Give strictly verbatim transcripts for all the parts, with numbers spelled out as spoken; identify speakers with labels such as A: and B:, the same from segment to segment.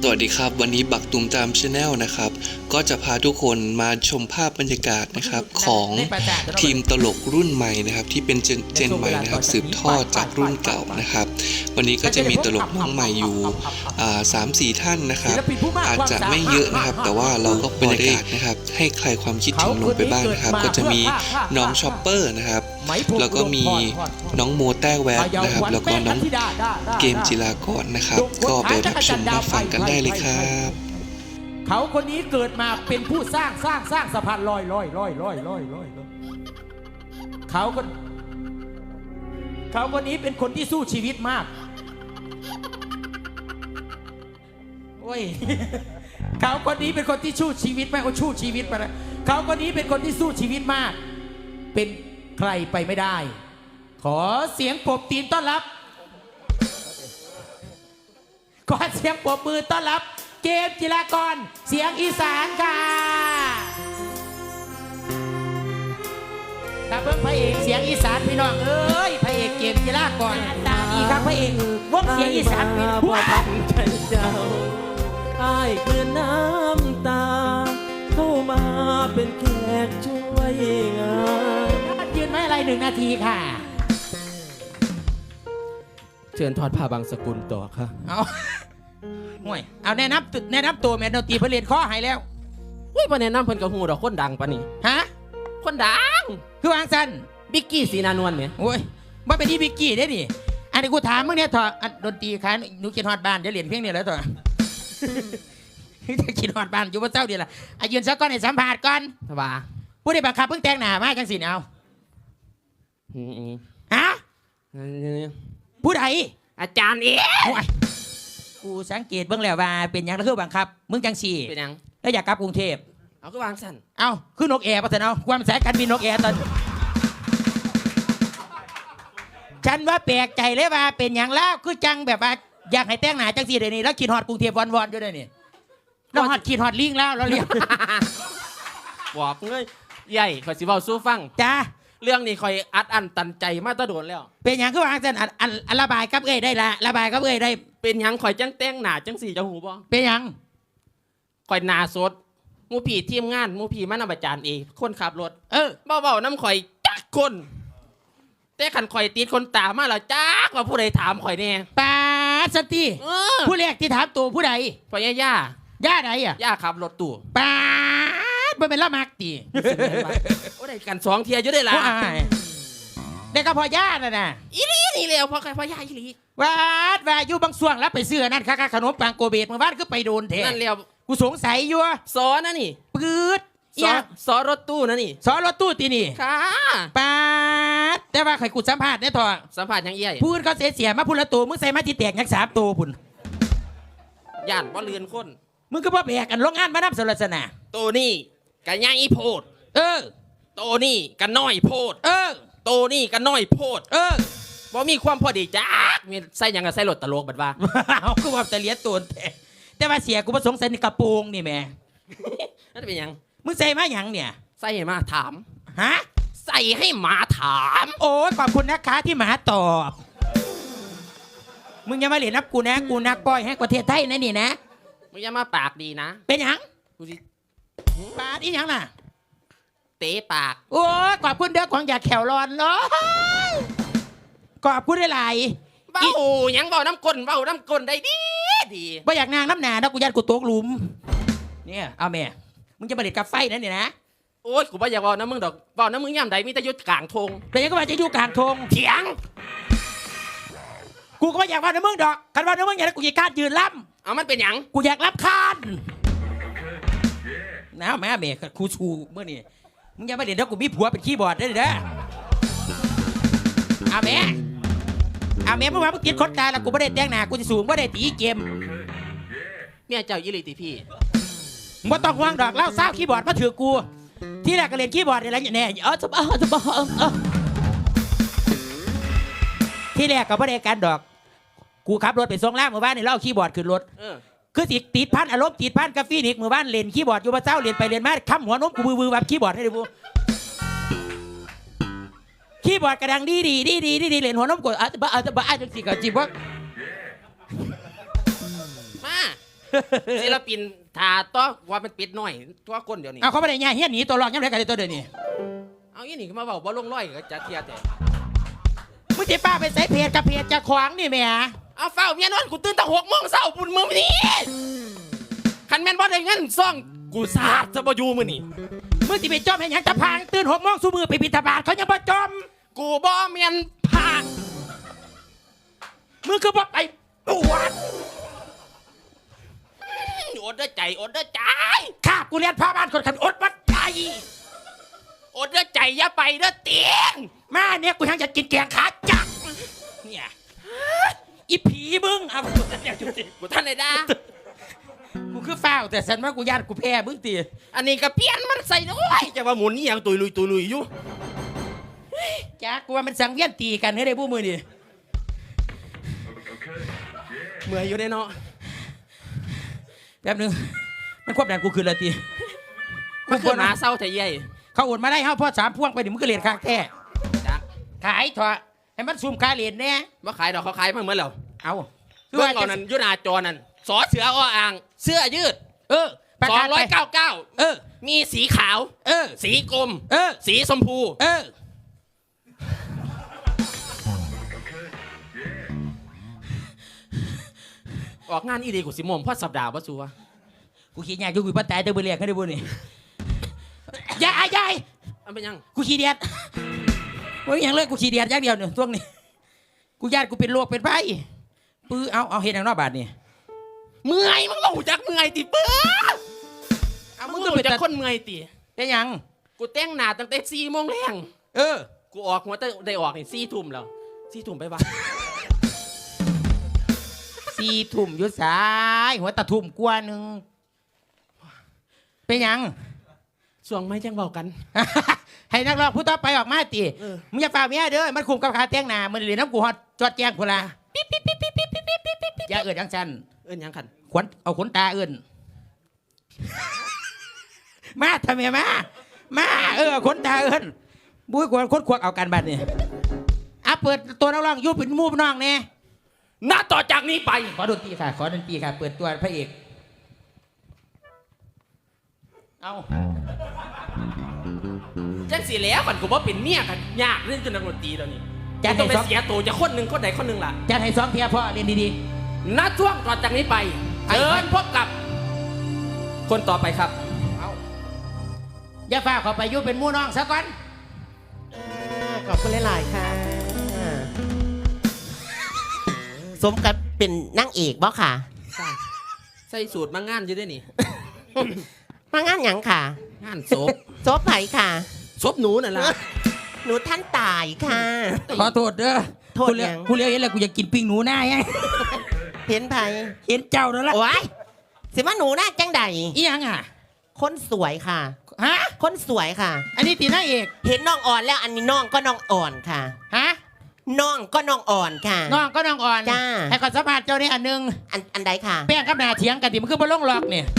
A: วัสดีครับวันนี้บักตุมตามชาแนลนะครับก็จะพาทุกคนมาชมภาพบรรยากาศนะครับของทีมตลกรุ่นใหม่นะครับที่เป็นเจนเจนใหม่นะครับสืบทอดจากรุ่นเก่านะครับวันนี้ก็จะมีตลกน้องใหม่อยู่สามสี่ท่านนะครับอาจจะไม่เยอะนะครับแต่ว่าเราก็พอได้นะครับให้ใครความคิดถึงลงไปบ้างนะครับก็จะมีน้องชอปเปอร์นะครับแล้วก็มีน้องโมแต้แวบนะครับแล้วก็น้องเกมจิรากรนะครับก็ไปรับชมรับฟังกันได้เลยครับ
B: เขาคนนี้เกิดมาเป็นผู้สร้างสร้างสร้างสะพานลอยลอยลอยลอยลอยลอยเขาคนเขาคนนี้เป็นคนที่สู้ชีวิตมากโอ้ยเขาคนนี้เป็นคนที่สู้ชีวิตมากเขาสู้ชีวิตมาแล้วเขาคนนี้เป็นคนที่สู้ชีวิตมากเป็นใครไปไม่ได้ขอเสียงปรบตีนต้อนรับขอเสียงปรบมือต้อนรับเกมจิรากรเสียงอีสานค่ะตาเบิ้งพระเอกเสียงอีสานพี่น้องเอ้ยพระเอกเกมจิรากรตาอีครับพระเอกวงเสียงอีสานเป็นผู้พันเจ้า
C: อ้ายคือน้ำตาเข้ามาเป็นแขกช่วยงาน
B: ยืนไม่อะไรหนึ่งนาทีค่ะ
C: เชิญทอดผ้าบางสกุลต่อค่ะ
B: เอาห่วยเอาแนะนำแนะนำตัวแม่ดนตรีเพื่อเรียนข้อหายแล้ว
C: อุ้ยประเด็นน้ำเพิ่นกับหูดอกคนดังปะนี่
B: ฮะ
C: คนดัง
B: คือวางสัน
C: บิกกี้สีนานวลเนี่ย
B: โอ้ยว่าเป็นที่บิกกี้ได้ดิอันนี้กูถามมึงเนี่ยเถอะดนตรีค่ะหนูคิดฮอดบ้านจะเรียนเพียงเนี่ยแล้วเถอะจะคิดฮอดบ้านอยู่บนเจ้าเดียวละอายืนสักก้อนให้สัมผัสก่อน
C: สบาย
B: ผู้ได้บังคับเพิ่งแต่งหน้ามาจังสิเอาฮะผู้ใด
C: อาจารย์เอ๋
B: กูสังเกตเบื้องแล้วว่าเป็นยังแล้วคือบังคับมึงจังสี่
C: เป็นยัง
B: แล้วอยากกลับกรุงเทพ
C: เอาคือวางสั่น
B: เอาคือนกแอร์ปะเถอะเอาความสายการบินนกแอร์ตอนฉันว่าแปลกใจเลยว่าเป็นยังแล้วคือจังแบบว่าอยากให้แต่งหน้าจังสี่เดี๋ยวนี้แล้วขีดฮอดกรุงเทพวอนๆอยู่เดี๋ยวนี้เราฮอดขีดฮอดลิงแล้วเราเรียก
C: บอกเลยใหญ่ขอสิเว้าสู้ฟัง
B: จ้า
C: เรื่องนี้คอยอัดอั้นตันใจมาตะโดนแล้ว
B: เป็นอย่างคือว่าจันอันอันระบายกับเอ้ยได้ละระบายกับเอ้ยได้
C: เป็นอย่างคอยจังแต่งหน้าจังสี่จะหูบ่
B: เป็นอย่าง
C: คอยหน้าสดมูผีทีมงานมูผีมานำอาจารย์เองคนขับรถ
B: เออ
C: เบาๆน้ำคอยจักคนแต่ขันคอยติดคนตามาแล้วจักว่าผู้ใดถามคอยแน่
B: ปาสติผู้แรกที่ถามตัวผู้ใด
C: พ่อย่าย่า
B: ย่าใดอ่ะ
C: ย่าขับรถตู้
B: ปาบ่เป็นละมักตี
C: โอ้ได้กันสองเทียอยู่ได้ละ
B: ได้ก็พอย่าน่ะนะ
C: อีลีนี่แล้วพอใครพ่อย่าอีลี
B: วาดว่าอยู่บางส่วนแล้วไปซื้อนั่นค่ะขนมปังโกเบตเมื่อวานก็ไปโดนเท
C: นั่นแล้ว
B: กูสงสัยอยู่
C: สอนะนี่
B: ปืด
C: สอสอรถตู้นะนี่
B: สอรถตู้ตีนี่
C: ค่ะ
B: ปาดแต่ว่าใครกูสัมภาษณ์เนี่ยทอ
C: สัมภาษณ์ยังเอี้ย
B: พูดเขาเสียเสียมาพูดละตัวมึงใส่มาที่แตกยักสามตัวพุ่น
C: ย่านว่าเลือนคน
B: มึงก็บ่แบกกันโรงงานมานับสรสนา
C: ตัวนี่กันย่างอีโพด
B: เออ
C: ตัวนี่กันน้อยโพด
B: เออ
C: ตัวนี่กันน้อยโพด
B: เออ
C: บ่มีความพอดีจ้ามีใส่ยังกับใส่รถตลกบัดว่า
B: เอาคือว่าแต่เลี้ยตัวแต่แต่ว่าเสียกูประสงค์ใส่ในกระโปรงนี่แม่
C: นั่นเป็นยัง
B: มึงใส่มาหยังเนี่ย
C: ใส่ให้มาถาม
B: ฮะ
C: ใส่ให้หมาถาม
B: โอ้ขอบคุณนะคะที่หมาตอบมึงอย่ามาเล่นนับกูนะกูนักปล่อยให้ประเทศไทยนะนี่นะ
C: มึงอย่ามาปากดีนะ
B: เป็นหยัง
C: กูสิ
B: ปากอีหยังน่ะ
C: เตะปาก
B: โอ้ขอบคุณเด้อของอยากแขวร้อนเลยขอบคุณได้หลาย
C: เบ้ายังเบ้าน้ำก้นเบ้าน้ำก้นได้ดีดี
B: บ่อยากนางน้ำหนานะกูยัดกูตกหลุมเนี่ยเอาแม่มึงจะมาเด็ดกับไฟนั่นนี่นะ
C: โอ้ยกูบ่อยากเบ้าน้ำมึงดอกเบ้าน้ำมึงย่ำใดมีแต่ยุดกลางทง
B: แต่ยังก็มาจะอยู่กลางทง
C: เถียง
B: กูก็ไม่อยากว่าน้ำมึงดอกกันว่าน้ำมึงอยากกูอยากการยืนล้ำ
C: เอามันเป็นหยัง
B: กูอยากรับคานน้าแม่แม่ครูชูเมื่อนี่มึงอย่ามาเด็ดแล้วกูมีผัวเป็นคีย์บอร์ดได้เลยนะเอาแม่เอาแม่เมื่อวานมึงติดคดตาแล้วกูไม่ได้แต่งหน้ากูจะสูงไม่ได้ตีเกม
C: เมียเจ้ายิริติพี่
B: มึงต้องห่วงดอกเล่าเศร้าคีย์บอร์ดมาถือกูที่แรกก็เรียนคีย์บอร์ดอะไรอย่างเนี้ยเออจะบ้าจะบ้าเออที่แรกก็ไม่ได้การดอกกูขับรถไปส่งล่างเมื่อวานนี่เล่าคีย์บอร์ดขึ้นรถคือติดติดพันอารมณ์ติดพันกาแฟนิกเมื่อวานเล่นคีย์บอร์ดอยู่มาเจ้าเล่นไปเล่นมาค้ำหัวนมกูบือบือแบบคีย์บอร์ดให้ดูคีย์บอร์ดกระดังดีดีดีดีดีดีเล่นหัวนมกดอาจจะบ้าอาจจะบ้าอาจจะสิกับจีบว่า
C: มา
D: ศิลปินถาต้อว่าเป็นปิดหน่อยตัวก้นเดี๋ยวนี้
B: เอาเขาไม่ได้แย่เฮี้ยนหนีตัวรอดยังไงกันตัวเดียวนี้
D: เอาอีนี่ก็มาบอกว่าลงร้อยก็จะเทียแต่
B: มึงจะป้าไปใส่เพจกับเพจจะขวางนี่แม่
D: เอาเฝ้าเมียนอนกูตื่นตั้งหกโมงเช้าปุ่นมือมันนี่คันแม่นบ่ได้เงินซ่องกูสาดจะบ่อยู่มื้อนี่
B: มึงจะไปจอมให้หยังตะพางตื่นหกโมงสู้มือไปบิณฑบาตเขายังบ่จอม
D: กูบ่เมียนผาก
B: มึงคือบ่ไปปวด
D: อดเด้อใจอดเด้อใจ
B: ข้ากูเรียนพาบ้านคนขันอดวัดใจ
D: อดเด้อใจอย่าไปเด้อเตียง
B: มาเนี่ยกูยังจะกินแกงขาจักเนี่ยอีผีมึงเอาเนี่ยจุดสิ
D: กูท่านได้ด่า
B: กูคือฝ้าวแต่ฉันว่ากูญาติกูแพ้มึงตี
D: อันนี้ก็เปลี่ยนมันใส่ด้วยจะว่าหมุนนี่ยังตุยลุยตุยลุยอยู่
B: จ้ากูว่ามันสังเวียนตีกันให้ได้พวกมือนี่
D: เมื่อยอยู่ได้เนาะ
B: แป๊บนึงมันควบแดนกูคืนละตี
D: มันคือหมาเศร้าแต่ใหญ่
B: เขาโอนมาได้เฮาพ่อสามพ่วงไปดิมึงก็เรียนข้างแท้
D: จัก
B: ขายเถอะให้มันซุ่มค่าเรียนแน่
D: บ่ขายดอกเขาขายมาเหมือนแล้ว
B: เอา
D: เรื่องเอานั้นอยุนาจอนั่นสอเสืออ้ออ่าง เสื้อยืด
B: เออประ
D: สอง
B: กาศ
D: ร้
B: ไป
D: อยเก้าเก้า
B: เออ
D: มีสีขาว
B: เออ
D: สีกรม
B: เออ
D: สีชมพู
B: เออ
D: ออกงานอีดีกูสิมมพ่อสัปดาห์ว่าซัว
B: กูขี้ยากอยู่กูปัตตายเตอร์เบเรียกให้ได้บุนี่ยายยาย
D: อันเป็นยัง
B: กูขี้เดียดว่าอย่างเลยกูขี้เดียดอย่างเดียวเนี่ยช่วงนี้กูญาติกูเป็นโรคเป็นไฟปื้อเอาเอาเห็นอย่างนอกบาทนี่
D: เมื่อยมึงก็หูจักเมื่อยติเปื้อ
B: เอา
D: มึ
B: มึ
D: ง
B: ง
D: ก็
B: ก็
D: หู
B: เป็น
D: จัก
B: แต่
D: คนเมื่อยติ
B: เป็นหยัง
D: กูแต่งหน้าตั้งแต่สี่โมงแรง
B: เออ
D: กูออกหัวแต่ได้ออกนี่สี่ทุ่มแล้วสี่ทุ่มไปบ้าน
B: สี่ทุ่มอยุดสายหัวตะทุ่มกว่าหนึ่งเป็นหยัง
D: ส่วงไม่จังบอกกัน
B: ให้นักร้องผู้ต่อไปออกมาตี
D: เออ
B: มึงอย่าฝ่าเมียเด้อมันคุมกับขาเตียงหนามันเหรียญน้ำกูฮอดจอดแจงพนละอย่าเอิดจังสัน
D: เอิ้นหยังคัน
B: ขวัญเอาขนตาเอินมาทำไมมามาเออขนตาเอินบุ้ยกวนคนควักเอากันบัดนี่อ่ะเปิดตัวนักร้องอยุบเป็นหมูน้องเนี่ย
D: ณต่อจากนี้ไป
B: ขอดนตรีค่ะ ขอดนตรีค่ะ เปิดตัวพระเอก เอา
D: จังสีแล้วมันกูว่าเป็นเมียกันยากเรื่องจนนักดนตรีตอนนี้
B: จะ
D: ต้
B: ให้
D: องไป
B: ซ้อม
D: เสียตัวจะคนหนึ่งคนใดคนหนึ่งล่ะ
B: จะให้ซ้อมเพียพ่อเรียนดี
D: ณช่วงต่อจากนี้ไป
B: ไป
D: เชิญพบกับ คนต่อไปครับ
B: ๆเอาอย่าฝ่าเขาไปอยุบเป็นหมูน้องซะก่อน
E: ขอบคุณหลายๆค่ะ สมกับเป็นนางเอกบ่ค่ะ
D: ใส่สูตรมางานอยู่ด้วยนี่
E: มางานหยังค่ะ
D: งานศพ
E: ศพไผค่ะ
D: ศพหนูนั่นล่ะ
E: หนูท่านตายค่ะ
B: ขอโทษเด้อ
E: โทษ
B: กูเลี้ย
E: ยัง
B: กูเลี้ยงเห็นแล้วกูอยากกินปิ้งหนูหน้าไง
E: เห็นไผ
B: เห็นเจ้าแล้วล่ะ
E: โอ้ยสิว่าหนูน่าจังใด
B: อีหยังอ่ะ
E: คนสวยค่ะ
B: ฮะ
E: คนสวยค่ะ
B: อันนี้ตีหน้าเอก
E: เห็นน้องอ่อนแล้วอันนี้น้องก็น้องอ่อนค่ะ
B: ฮะ
E: น้องก็น้องอ่อนค่ะ
B: น้องก็น้องอ่อน
E: จ้า
B: ให้ขอสัมภาษณ์เจ้านี่อันหนึง
E: อันอันใดค่ะ
B: แป้งกับหนาเถียงกันดิมันคือบ่ลงหลอกเนี่ย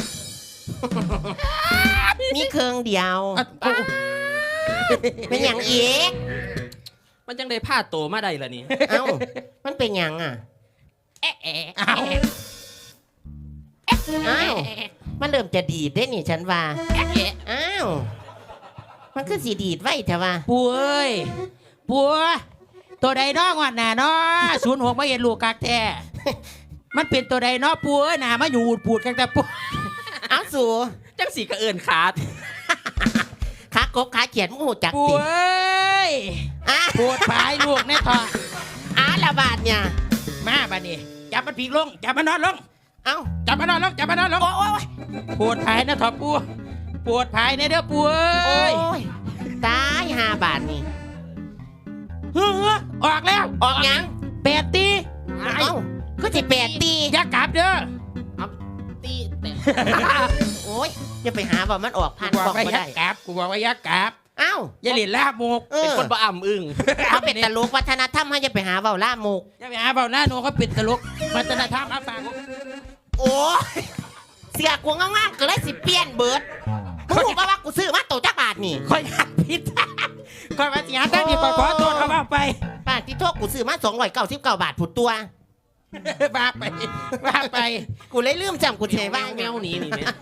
E: มีเครื่องเดียว
B: อ่ะโอ้
E: เป็นอย่างอีก
D: มันจังได้ผ้าโตมาได้ล่ะนี่
E: เอ้า มันเป็นอย่างอ่ะ
B: เอ๊ะเอ๊ะอ้าว
E: อ้าว มันเริ่มจะดีดได้นี่ฉันว่าอ้าว มันคือสีดีดไว้แต่ว่า
B: ปัวเอ้ยปัวตัวใดน้องวัดหนาเนาะศูนย์หกมาเห็นลูกกักแท้มันเป็นตัวใดเนาะปัวหนามาอยู่อูดปูดกันแต่ปัว
E: เอาสู
D: จังสีกระเอินขาด
E: ขากบขาเขียนมูหูจัก
B: ปัว
E: ติ
B: เอ้ย
E: อ่ะ
B: ปวดปลายลูกแน่ทอง
E: อ้าละบาดเนี่ย
B: มาบัดนี้จับมันพีกลงจับมันนอนลง
E: เอ้า
B: จับมันนอนลงจับมันนอนลง
E: โอ้ยโอ้ย
B: ปวดภายนะทอปัวปวดภายในเด้อปัว
E: โอ้
B: เอ้ย
E: ยตายห้าบาทนี่
B: เฮ้อออกแล้ว
E: ออกยัง
B: แปดตี
E: เอ้าก็สิแปดตี
B: อย่ากลับเด้อ
D: ตีแต่
E: โอ้ยอย่าไปหาว่ามันออกพัน
B: กูบอก
E: บอก
B: ว่า
E: ไม่
B: อย่า
E: ได้
B: กลับกูบอกว่าอย่ากลับ
E: เอ้า
B: อย่าเล่นลาบหมก
E: เอ
D: เป็น
E: อ
D: คนบ่อ่ำอึ้ง
E: เขาเป็นตลกวัฒนธรรมให้อย่าไปหาเว่าล่ามุก
B: อย่าไปหาเบาหน้าโนเขาเป็นตลกวัฒนธรรมอาฝาก
E: โอ้ยเสียกวงงามๆก็เลยสิเปลี่ยนเบิดมึงรู้ป่ะว่ากูซื้อมาโตจักบาทนี่
B: คอยหัดผิดคอยมาเสียตั้งนี่คอยขอโทษเขาเอาไป
E: ป้าที่โทษกูซื้อมาสองร้อยเก้าสิบเก้าบาทผุดตัว
B: ว่าไปว่าไป
E: กูเลยลืมจำกูเฉย
D: แม
E: ว่าว
D: แมวหนีนี่แม่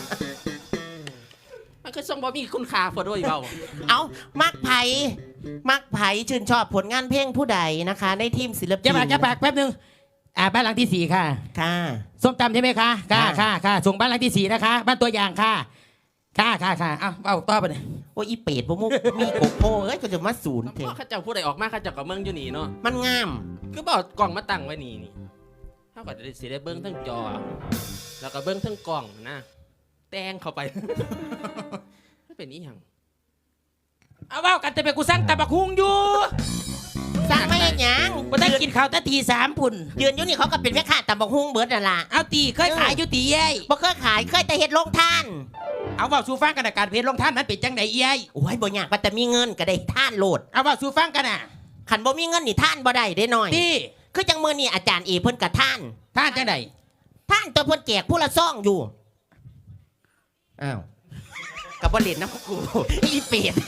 D: มันคือทรงบ่มีคุณค่าพอด้วยเปล่า
E: เอามักไผ่มักไผ่ชื่นชอบผลงานเพลงผู้ใดนะคะ ในทีมศิลปิน
B: จะปากจะปากแป๊บนึงอ่าบ้านหลังที่สี่ค่ะ
E: ค่ะ
B: ส้มตำใช่ไหมคะค่ะ
E: ค่ะ
B: ค่ะค่ะส่งบ้านหลังที่สี่นะคะ บ้านตัวอย่างค่ะค่ะค่ะค่ะเอาเอาต่อไปเลย
E: โอ้ยอีเป็ดพวกมุกมีโกโก้เอ้ยก็จะมาศูนย์เถ
D: พ่อ
E: อะ
D: ข้าเจ้าผู้ใดออกมาข้าเจ้ากับเมืองอยู่นี่เนาะ
E: มันงาม
D: คือบอกกล่องมาตั้งไว้นี่นี่เท่ากับจะได้สิได้เบิ้งทั้งจอ แล้วก็เบิ้งทั้งกล่องนะแตงเข้าไปไม่เป็นอีหยัง
B: เอาเว่ากันแต่เป็นกูสั่งตะบักฮุงอยู่
E: สร้างไม่เห็นหยัง
B: กูได้กินข้าวแตะตีสามปุ่น
E: ยืนอยู่นี่เขาก็เป็นแม่ค้าตำบักฮุ้งเบิร์ดนั่นล่ะ
B: เอาตีเคยขายอยู่ตีเย้ย
E: บ่เคยขายเคยแต่เฮ็ดโรงทาน
B: เอาเว่าสู่ฟังกันนะการเพลลงท่านนั้นเป็นจังไดเย้ย
E: โอ้ยบ่ยากว่าแต่มีเงินก็ได้ท่านโลด
B: เอาเว่าสู่ฟังกันน่ะ
E: ขันบ่มีเงินนี่ท่านบ่ได้ได้น้อย
B: ตี
E: คือจังมื้อนี้อาจารย์เอเพิ่นก็ท่าน
B: ท่านจังได
E: ท่านตัวเพิ่นแจกผู้ละซองอยู่อ้าวกับบ่เล่นน้ำกูอีเป็ด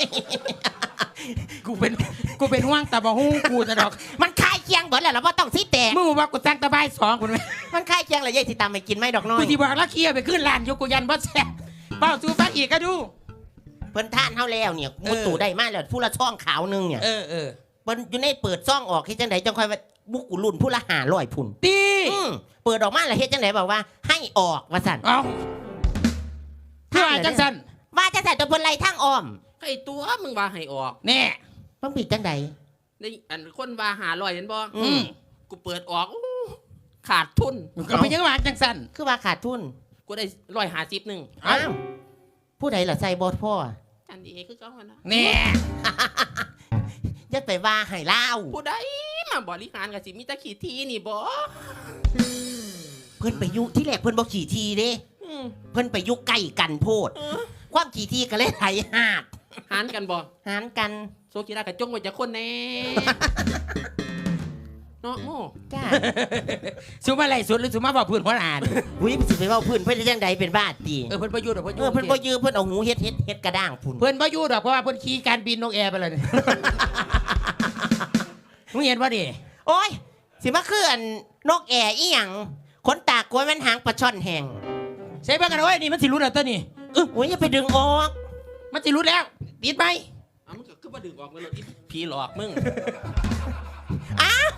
B: กูเป็นกูเป็นห่วงตะบักฮุงกูจะดอก
E: มันคายเคียงเบิดแล้วล่ะบ่ต้องสิแตก
B: มึงบอกว่ากูสั่งตะบายสองคุณไหม
E: มันคายเคียงแล้วยายสิตามไปกินไหมดอกน้อ
B: กู
E: ย
B: ที่บอกแล้วเคลียร์ไปขึ้นลานอยู่กูยันบ่แซ่บเป้าสู่ฟังอีกก็ดู
E: เพิ่นท่านเฮาแล้วเนี่ยมุดตู่ได้มาแล้วผู้ละซองขาวหนึงเนี่ย
B: เออเออ
E: เพิ่นอยู่ในเปิดซองออกเฮ็ดจังไดจังค่อยว่าบุกกูรุ่นผู้ละห้าร้อยพุ่น
B: ตี
E: อืมเปิดออกมาแล้วเฮ็ดจังไดบอกว่า ให้ออกว่าสั่น
B: เอาเพื่อจังสัน
E: ว่าจังไดตัวเพิ่นไล่ทางอ้อม
D: ไอ้ตัวมึงว่าให้ออก
B: แน่
E: เพิ่นผิดจังได
D: ได้อันคนว่าหาลอยเห็นบ่
E: อืม
D: กูเปิดออกอู้ขาดทุน
B: ก็ไปยังหวานจังสัน
E: คือว่าขาดทุน
D: กูได้ร้อยหาสิบหนึ่ง
B: เอ้า
E: อ้าวผู้ใดล่ะใส่บอดพ่อ
D: อันนี้คือเขาอะนะ
B: แน่
E: จะไปว่าให้เล่า
D: ผู้ใดมาบริหารกับสิมีแตะขี่ทีนี่บ่
E: เพิ่นไปยุที่แรกเพิ่นบ่ขี่ทีเด้
D: อืม
E: เพิ่นไปยุใกล้กันโพด
D: เออ
E: ความขี่ทีก็เลยไหลหาด
D: หารกันบ่
E: หารกัน
D: โซกีฬากระจงไว้จะคนแน่ เนาะโม่
E: จ้า
B: สุมาไรสุดหรือสุมาบอกพื้นหัวหลาน
E: อุ้ยสิไปเว้าเพิ่นเพิ่นจังไดเป็นบ้าตี
B: เออเพิ่นประยุทธ์เพิ่น
E: เออเพิ่นบ่ยือเพิ่นเอาหูเฮ็ดเฮ็ดเฮ็ดกระด้างพุ่น
B: เพิ่นประยุทธ์ดอกเพราะว่าเพิ่นขี่การบินนกแอร์ไปเลยมึงเห็นป่ะดิ
E: โอ้ยสิมาคืออันนกแอร์อีหยังขนตากล้วยมันหางปลาช่อนแห้ง
B: ใช่เบิ่งกันเอาไว้นี่มันสิรุดแล้วตัวนี้
E: เออโอ้ยอย่าไปดึงออก
B: มันสิรุดแล้วติดไป
D: เอามึงก็คือมาดึงออกมาเลยอีผีหลอกมึง
E: อ้าว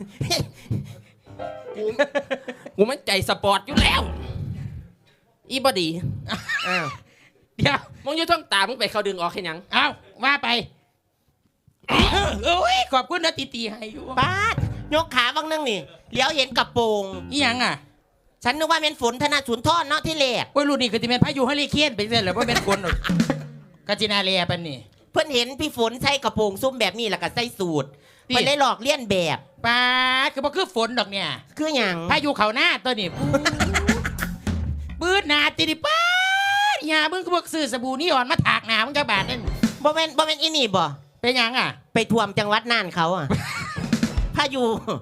D: กูกูมันใจสปอร์ตอยู่แล้ว อีบอดี
E: อ้าว
B: เดี๋ยว
D: มึงอยู่ท้องตามึงไปเขาดึงออกแค่ยัง
B: เอาว่าไปเอ้ยขอบคุณนะตีตีให้อยู่
E: ป้าดยกขาบางนึงนี่เลี้ยวเห็นกระโปรง
B: อีหยังอ่ะ
E: ฉันนึกว่าเป็นฝนธนาสุนทรเนาะที่แรก
B: โอ้ยรุ่นนี้คือสิเป็นพายุเฮอริเคนไปเรื่อยแล้วบ่เป็นคนหรอกกาจินาเลียปานนี่
E: เพิ่นเห็นพี่ฝนใส่กระโปรงซุ้มแบบนี้แล้วก็ใส่สูท
B: นี่
E: เพิ่นได้หลอกเลียนแบบ
B: ป้าดคือบ่คือฝนดอกเนี่ย
E: คือหยัง
B: พายุเขาหน้าตัวนี้ปืดหนาติดิป้าดอย่ามึงก็บอกซื้อสบู่นี่อ่อนมาถากหนามึงกระบาดนั่น
E: บ่แม่นบ่แม่นอีนี่บ่
B: เป็นหยังอ่ะ
E: ไปท่วมจังหวัดน่านเขาอ่ะ พายุ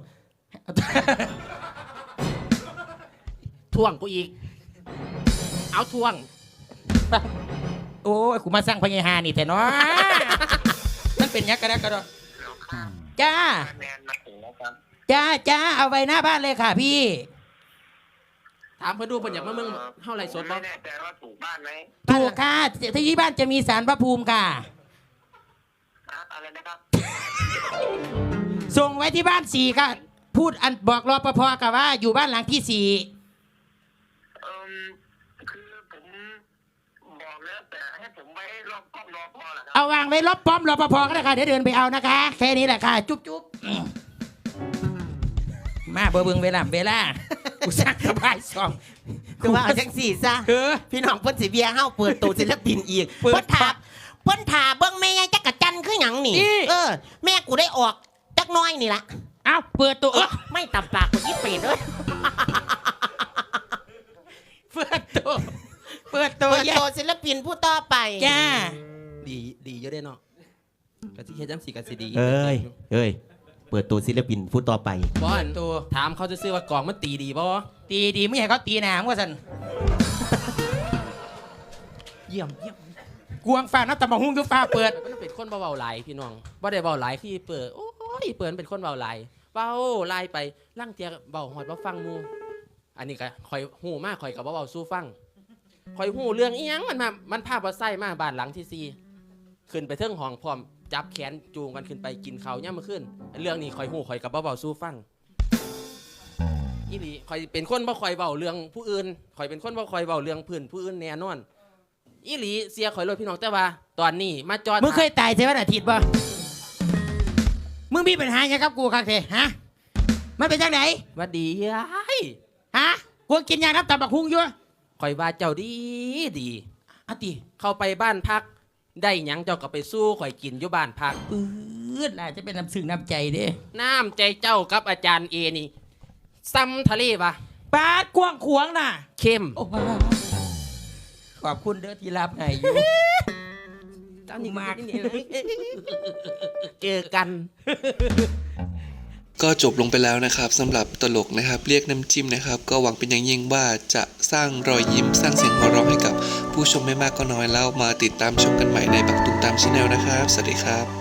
D: ท่วงกูอีก เอาท่วง
B: โอ้ยกูมาสร้างพญาหานี่แต่เนาะมันเป็นหยังกระดกกระดอจ้าจ้าจ้าเอาไว้หน้าบ้านเลยค่ะพี่
D: ถามเพื่อดูเพิ่นอยากมาเมืองเท่าไรสดบ่
F: ไม่แน่ใจว่าถูกบ้านไหม
B: ถูกค่ะที่บ้านจะมีสารพระภูมิค่ะ
F: อะอะไรนะครับ
B: ส่งไว้ที่บ้านสี่ค่ะ พูดอันบอกรปภกับว่าอยู่บ้านหลังที่สี่
F: เอ่มคือผมบอกแล้วแต่ให้ผมไว้รอบกล้องรอพอเหรอครับ
B: เอาวางไว้รอบป้อมรปภก็ได้ค่ะเดี๋ยวเดินไปเอานะคะ แค่นี้แหละค่ะ จุ๊บจุ๊บอืมมาเบอร์เบิงเวลาเวลากูสร้างสบายสอง
E: คือว่าเอาจังสี่ซะ
B: เออ
E: พี่น้องเพิ่นสิเบียร์เฮาเปิดตัวศิลปินอีก
B: เปิด
E: เพิ่นถาเพิ่นถาเบิ่งแม่ยายจักรจันทร์คือหยังนี่
B: อี
E: เออ แม่กูได้ออกจักหน้อยนี่ล่ะ
B: เอาเปิดตัวเออ
E: ไม่ตับปากกูอีเป็ดเอ้ย
B: เปิดตัวเปิดตัว
E: เปิด
B: แย่
E: ตัวศิลปินผู้ต่อไป
B: จ้า
D: ดีดีเยอะได้เนาะกะสิเฮ็ดจังสิกะสิดี
E: เอ้ยเอ้ยเปิดตัวศิลปินผู้ต่อไป
D: บอ
B: เปิ
D: ล
B: ดตัว
D: ถามเขาจะซื้อว่ากล่องมันตีดีบ่
B: ตีดีไม่ให้เขาตีหนามว่าสัน
D: เยี่ยมเยี่ยม
B: กวงฟ้านับตะมาหุ้งก็ฟ้าเปิด
D: มันเป็นคนเบาๆหลายพี่น้องบ่ได้เบาหลายคือเปิดโอ้ยเปิดเป็นคนเบาหลายเป้าไล่ไปล่างเตียเบาหอดว่าฟังหมูอันนี้ก็คอยหูมากคอยกับว่าเบาสู้ฟังคอยหูเรื่องอีหยังมันมามันพาบ่ไส้มาบ้านหลังที่สี่ขึ้นไปเทิงห้องพร้อมจับแขนจูงกันขึ้นไปกินข้าวย่ำมาขึ้นเรื่องนี้คอยหูคอยกับว่าเบาสู้ฟังอีหลีคอยเป็นคนบ่คอยเบาเรื่องผู้อื่นคอยเป็นคนบ่คอยเบาเรื่องพื้นผู้อื่นแน่นอนอีหลีเสียคอยรถพี่น้องแต่ว่าตอนนี้มาจอด
B: มึงเคยตายเทวันอาทิตย์ป่ะมึงมีปัญหาอย่างกับกูครับเทฮะมันเป็นจังไหน
D: ว่าดียาย
B: ฮะกูกินยาน้ำตาบักฮุงอยู่
D: คอยว่าเจ้าดีดี
B: อะติ
D: เข้าไปบ้านพักได้หยังเจ้าก็ไปสู้ข่อยกินอยู่บ้านพัก
B: ปื๊ดน่าจะเป็นน้ำซึ้งน้ำใจเด้
D: น้ำใจเจ้ากับอาจารย์เอนี่ซ้ำทะเลปะ
B: ปาดกว้างขวางน่ะ
D: เข้ม
B: โอ้ว้าวขอบคุณเด้อที่รับให้อยู่
D: ตอนนี้มากเจอกัน
A: ก็จบลงไปแล้วนะครับสำหรับตลกนะครับเรียกน้ำจิ้มนะครับ ก็หวังเป็นอย่างยิ่งว่าจะสร้างรอยยิ้มสร้างเสียงหัวเราะให้กับผู้ชมไม่มากก็น้อยแล้วมาติดตามชมกันใหม่ในบักตุ้มตามชาแนลนะครับสวัสดีครับ